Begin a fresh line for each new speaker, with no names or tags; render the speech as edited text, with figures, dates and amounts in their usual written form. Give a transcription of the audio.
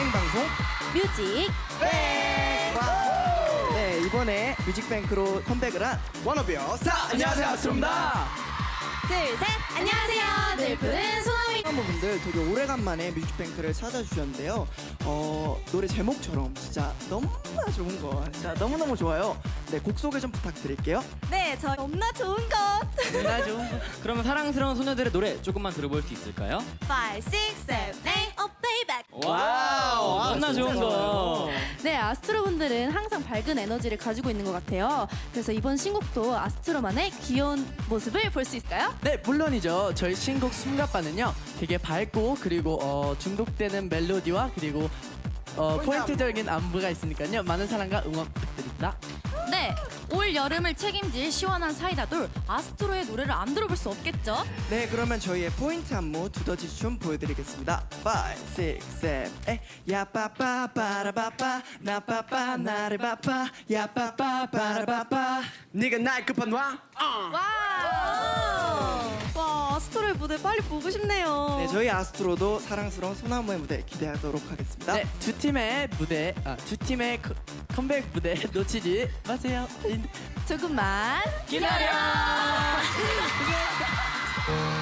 예능 방송
뮤직
네, 이번에 뮤직뱅크로 컴백을 한 워너비어 스타. 안녕하세요, 아스트로입니다.
둘셋 안녕하세요 늘푸른 소나미
분들 되게 오래간만에 뮤직뱅크를 찾아주셨는데요. 노래 제목처럼 진짜 너무나 좋은 거, 진짜 너무너무 좋아요. 네, 곡 소개 좀 부탁드릴게요.
네, 저 너무나 좋은 것
너무나 좋은 거. 그러면 사랑스러운 소녀들의 노래 조금만 들어볼 수 있을까요?
5, 6, 7, 8 Oh playback
와우, 너무나 좋은 거.
네, 아스트로 분들은 항상 밝은 에너지를 가지고 있는 것 같아요. 그래서 이번 신곡도 아스트로만의 귀여운 모습을 볼 수 있을까요?
네, 물론이죠. 저희 신곡 숨가빠는요 되게 밝고 그리고 중독되는 멜로디와 그리고 포인트적인 안무가 있으니까요 많은 사랑과 응원 부탁드립니다.
네, 올 여름을 책임질 시원한 사이다돌 아스트로의 노래를 안 들어볼 수 없겠죠?
네, 그러면 저희의 포인트 안무 두더지 춤 보여드리겠습니다. 5, 6, 7, 8 야빠빠 빠라바빠 나빠빠 나를 바빠 야빠빠 빠라바빠 네가 날 급한 왕.
와, 아스트로의 무대 빨리 보고 싶네요.
네, 저희 아스트로도 사랑스러운 소나무의 무대 기대하도록 하겠습니다.
네, 두 팀의 컴백 무대 놓치지 마세요.
조금만
기다려.